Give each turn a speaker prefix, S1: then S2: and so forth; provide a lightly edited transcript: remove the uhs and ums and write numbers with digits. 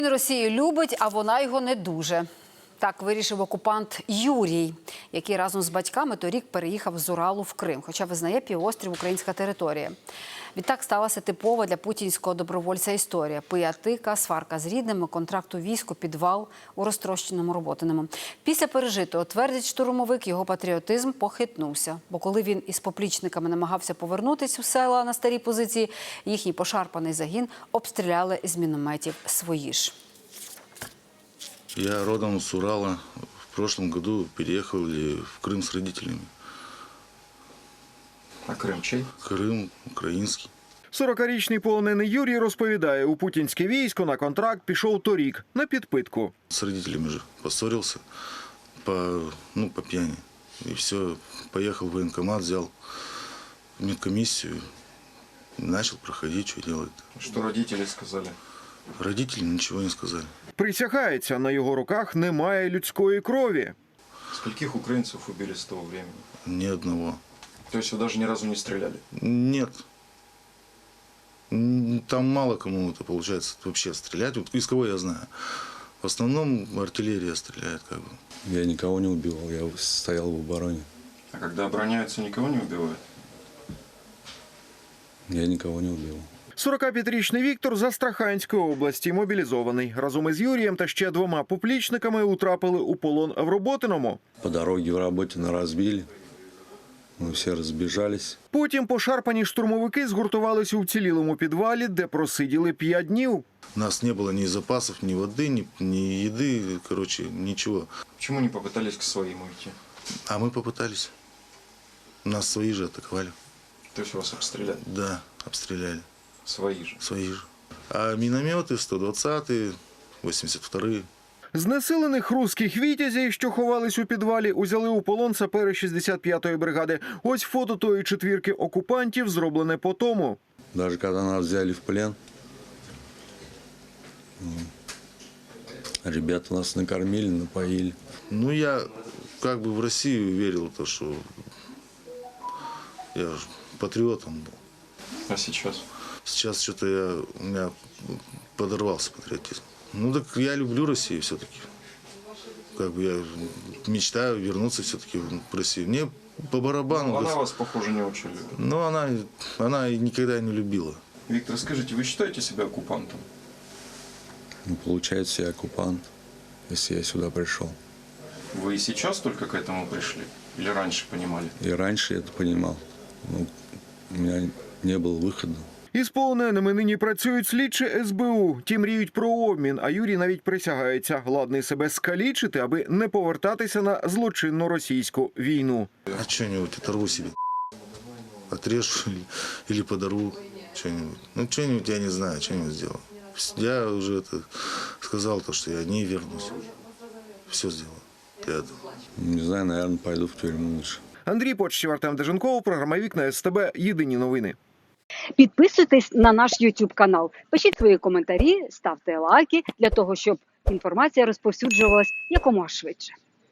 S1: Він Росію любить, а вона його не дуже. Так вирішив окупант Юрій, який разом з батьками торік переїхав з Уралу в Крим, хоча визнає півострів українська територія. Відтак сталася типова для путінського добровольця історія. Пиятика, сварка з рідними, контракт у війську, підвал у розтрощеному Роботиному. Після пережитого, твердить штурмовик, його патріотизм похитнувся. Бо коли він із поплічниками намагався повернутися у села на старі позиції, їхній пошарпаний загін обстріляли з мінометів свої ж.
S2: Я родом с Урала. В прошлом году переехали в Крым с родителями.
S3: А Крим чий?
S2: Крым украинский.
S4: 40-річний полонений Юрій розповідає, у путінське військо на контракт пішов торік на підпитку.
S2: С родителями же поссорился по пьяни. И все, поехал в военкомат, взял медкомиссию, начал проходить, что делать.
S3: Что родители сказали?
S2: Родители ничего не сказали.
S4: Присягається, на його руках немає людської крові.
S3: Скольких украинцев убили с того времени?
S2: Ни одного.
S3: То есть вы даже ни разу не стреляли?
S2: Нет. Там мало кому это получается вообще стрелять. Вот из кого я знаю. В основном артиллерия стреляет как бы.
S5: Я никого не убивал, я стоял в обороне.
S3: А когда обороняются, никого не убивают?
S5: Я никого не убил.
S4: 45-річний Віктор з Астраханської області мобілізований. Разом із Юрієм та ще двома поплічниками утрапили у полон в Роботиному.
S5: По дороге в Работино разбили. Мы все разбежались.
S4: Потім пошарпані штурмовики згуртувалися у вцілілому підвалі, де просиділи 5 днів.
S2: У нас не было ни запасов, ни воды, ни еды, короче, ничего.
S3: Почему не попытались к своим уйти?
S2: А мы попытались. Нас свои же атаковали.
S3: То есть вас обстреляли?
S2: Да, обстреляли.
S3: Свои же?
S2: Свои же. А минометы 120-е, 82-е.
S4: Знесилених руських вітязів, що ховались у підвалі, узяли у полон сапери 65-ї бригади. Ось фото тої четвірки окупантів, зроблене по тому.
S5: Даже когда нас взяли в плен, ребята нас накормили, напоили.
S2: Ну, я как бы в Россию верил, то, что я же патриотом был.
S3: А сейчас?
S2: Сейчас что-то у меня подорвался патриотизм. Ну так я люблю Россию все-таки. Как бы я мечтаю вернуться все-таки в Россию. Мне по барабану.
S3: Она вас, похоже, не очень любит.
S2: Но она никогда не любила.
S3: Виктор, скажите, вы считаете себя оккупантом?
S5: Ну, получается, я оккупант, если я сюда пришел.
S3: Вы и сейчас только к этому пришли? Или раньше понимали?
S5: И раньше я это понимал. Но у меня не было выхода.
S4: Із полоненими нині працюють слідчі СБУ. Ті мріють про обмін, а Юрій навіть присягається. Ладний себе скалічити, аби не повертатися на злочинну російську війну.
S2: А что-нибудь оторву себе. Отрежу или подорву что-нибудь. Ну, что-нибудь я не знаю, что-нибудь сделаю. Я уже это сказал, то, что я не вернусь. Все сделаю для этого.
S5: Не знаю, наверное, пойду в тюрьму лучше.
S4: Андрій Почтів, Артем Деженков, програма «Вікна СТБ». Єдині новини.
S6: Підписуйтесь на наш YouTube канал, пишіть свої коментарі, ставте лайки для того, щоб інформація розповсюджувалась якомога швидше.